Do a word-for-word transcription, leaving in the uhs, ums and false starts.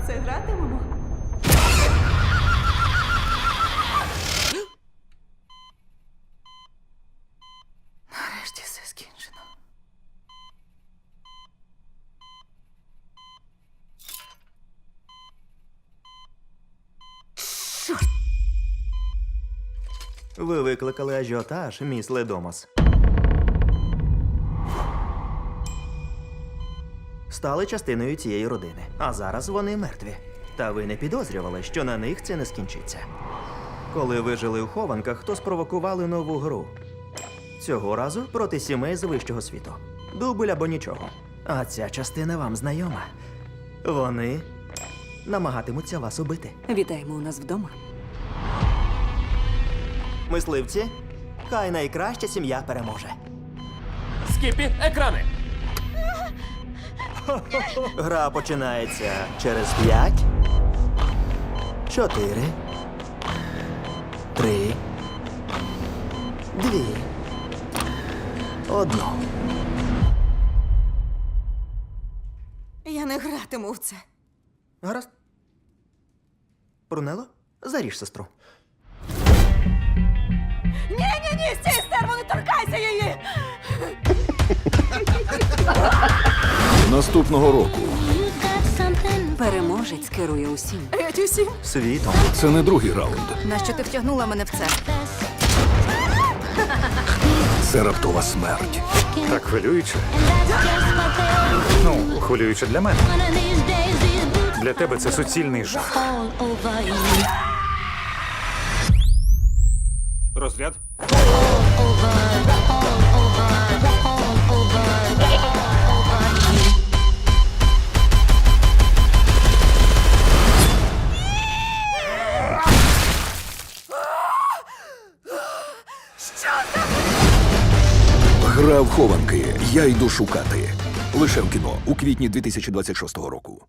це гратимемо? Нарешті все скінчено. Ви викликали ажіотаж, міс Ледомас. Стали частиною цієї родини, а зараз вони мертві. Та ви не підозрювали, що на них це не скінчиться. Коли ви жили у хованках, то спровокували нову гру. Цього разу проти сімей з вищого світу. Дубль або нічого. А ця частина вам знайома. Вони намагатимуться вас убити. Вітаємо у нас вдома. Мисливці, хай найкраща сім'я переможе. Скіпі, екрани! Гра починається через п'ять, чотири, три, дві, одну. Я не гратиму в це. Гаразд. Брунело, заріж сестру. Ні-ні-ні, стій, стерво, не торкайся її! Наступного року Переможець керує усім. Геть усім. Світом. це не другий раунд. Нащо ти втягнула мене в це? Це раптова смерть. Так хвилююче. Ну, хвилююче для мене. Для тебе це суцільний жах. Розряд. Гра в хованки. Я йду шукати. Лише в кіно у квітні дві тисячі двадцять шостого року.